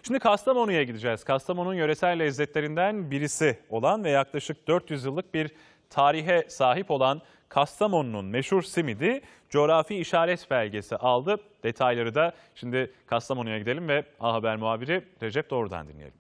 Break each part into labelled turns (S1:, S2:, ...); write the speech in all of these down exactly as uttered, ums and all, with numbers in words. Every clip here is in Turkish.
S1: Şimdi Kastamonu'ya gideceğiz. Kastamonu'nun yöresel lezzetlerinden birisi olan ve yaklaşık dört yüz yıllık bir tarihe sahip olan Kastamonu'nun meşhur simidi coğrafi işaret belgesi aldı. Detayları da şimdi Kastamonu'ya gidelim ve A Haber muhabiri Recep Doğru'dan dinleyelim.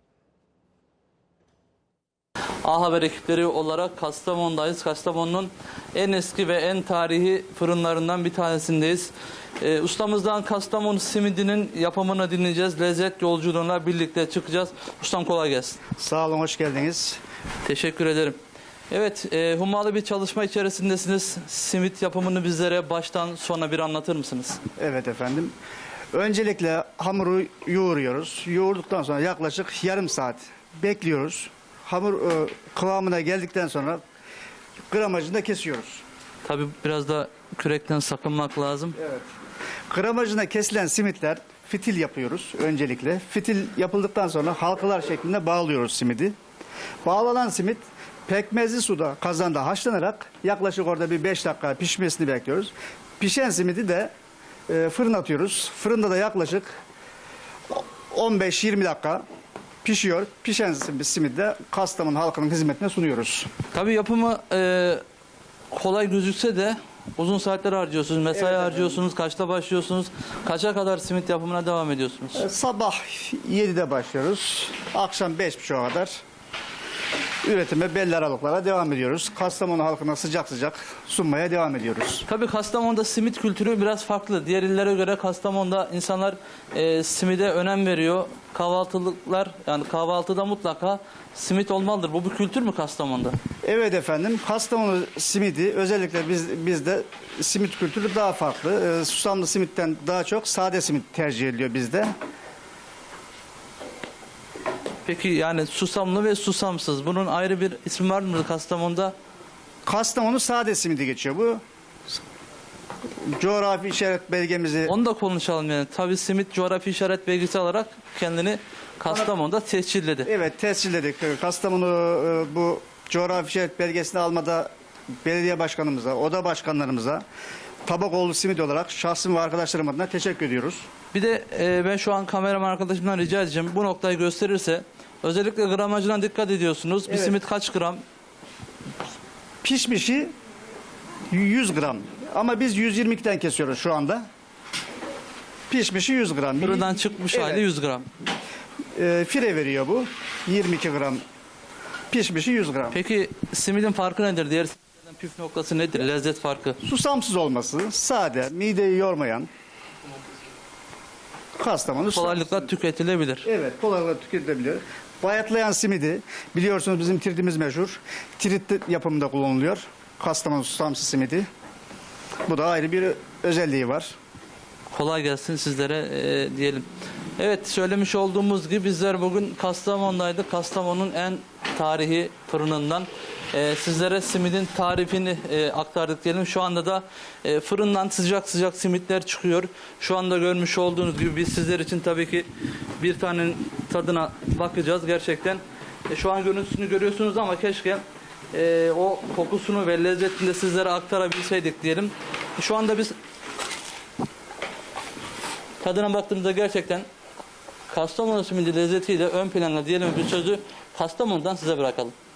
S2: A Haber ekipleri olarak Kastamonu'dayız. Kastamonu'nun en eski ve en tarihi fırınlarından bir tanesindeyiz. Ee, ustamızdan Kastamonu simidinin yapımını dinleyeceğiz. Lezzet yolculuğuna birlikte çıkacağız. Ustam kolay gelsin.
S3: Sağ olun, hoş geldiniz.
S2: Teşekkür ederim. Evet, e, hummalı bir çalışma içerisindesiniz. Simit yapımını bizlere baştan sona bir anlatır mısınız?
S3: Evet efendim. Öncelikle hamuru yoğuruyoruz. Yoğurduktan sonra yaklaşık yarım saat bekliyoruz. Hamur e, kıvamına geldikten sonra gramajını kesiyoruz.
S2: Tabii biraz da kürekten sakınmak lazım.
S3: Evet. Gramajına kesilen simitler fitil yapıyoruz öncelikle. Fitil yapıldıktan sonra halkalar şeklinde bağlıyoruz simidi. Bağlanan simit pekmezli suda kazanda haşlanarak yaklaşık orada bir beş dakika pişmesini bekliyoruz. Pişen simidi de e, fırına atıyoruz. Fırında da yaklaşık on beş yirmi dakika pişiyor. Pişen simidi de Kastamonu halkının hizmetine sunuyoruz.
S2: Tabii yapımı e, kolay gözükse de uzun saatler harcıyorsunuz, mesai
S3: Evet,
S2: harcıyorsunuz. Kaçta başlıyorsunuz? Kaça kadar simit yapımına devam ediyorsunuz?
S3: E, sabah yedide başlıyoruz. Akşam beş buçuğa kadar üretime belli aralıklara devam ediyoruz. Kastamonu halkına sıcak sıcak sunmaya devam ediyoruz.
S2: Tabii Kastamonu'da simit kültürü biraz farklı. Diğer illere göre Kastamonu'da insanlar e, simide önem veriyor. Kahvaltılıklar, yani kahvaltıda mutlaka simit olmalıdır. Bu bir kültür mü Kastamonu'da?
S3: Evet efendim, Kastamonu simidi özellikle biz bizde simit kültürü daha farklı. Ee, susamlı simitten daha çok sade simit tercih ediliyor bizde.
S2: Peki yani susamlı ve susamsız. Bunun ayrı bir ismi var mı Kastamonu'da?
S3: Kastamonu sade simidi geçiyor bu. Coğrafi işaret belgemizi
S2: Onu da konuşalım yani. Tabii simit coğrafi işaret belgesi alarak kendini Kastamonu'da tescilledi.
S3: evet tescilledik. Kastamonu e, bu coğrafi işaret belgesini almada belediye başkanımıza, oda başkanlarımıza Tabakoğlu simit olarak şahsım ve arkadaşlarım adına teşekkür ediyoruz.
S2: Bir de e, ben şu an kameraman arkadaşımdan rica edeceğim. Bu noktayı gösterirse özellikle gramajına dikkat ediyorsunuz. Bir
S3: Evet.
S2: simit kaç gram?
S3: Pişmişi yüz gram ama biz yüz yirmi ikiden kesiyoruz şu anda. Pişmişi yüz gram.
S2: Fırından çıkmış
S3: Evet.
S2: hali yüz gram.
S3: E, fire veriyor bu. yirmi iki gram. Pişmişi yüz gram.
S2: Peki simidin farkı nedir? Diğer simitlerden püf noktası nedir? Lezzet farkı.
S3: Susamsız olması, sade, mideyi yormayan. Kastamonu
S2: Kolaylıkla
S3: susamsız.
S2: tüketilebilir.
S3: Evet, kolaylıkla tüketilebilir. Bayatlayan simidi, biliyorsunuz bizim tiritimiz meşhur. Tirit yapımında kullanılıyor. Kastamonu susamsız simidi. Bu da ayrı bir özelliği var.
S2: Kolay gelsin sizlere e, diyelim. Evet, söylemiş olduğumuz gibi bizler bugün Kastamonu'daydık. Kastamonu'nun en tarihi fırınından e, sizlere simidin tarifini e, aktardık diyelim. Şu anda da e, fırından sıcak sıcak simitler çıkıyor. Şu anda görmüş olduğunuz gibi biz sizler için tabii ki bir tanenin tadına bakacağız. Gerçekten e, şu an görüntüsünü görüyorsunuz ama keşke e, o kokusunu ve lezzetini de sizlere aktarabilseydik diyelim. E, şu anda biz tadına baktığımızda gerçekten Kastamonu simidi lezzetiyle ön plana diyelim bir sözü Kastamonu'dan size bırakalım.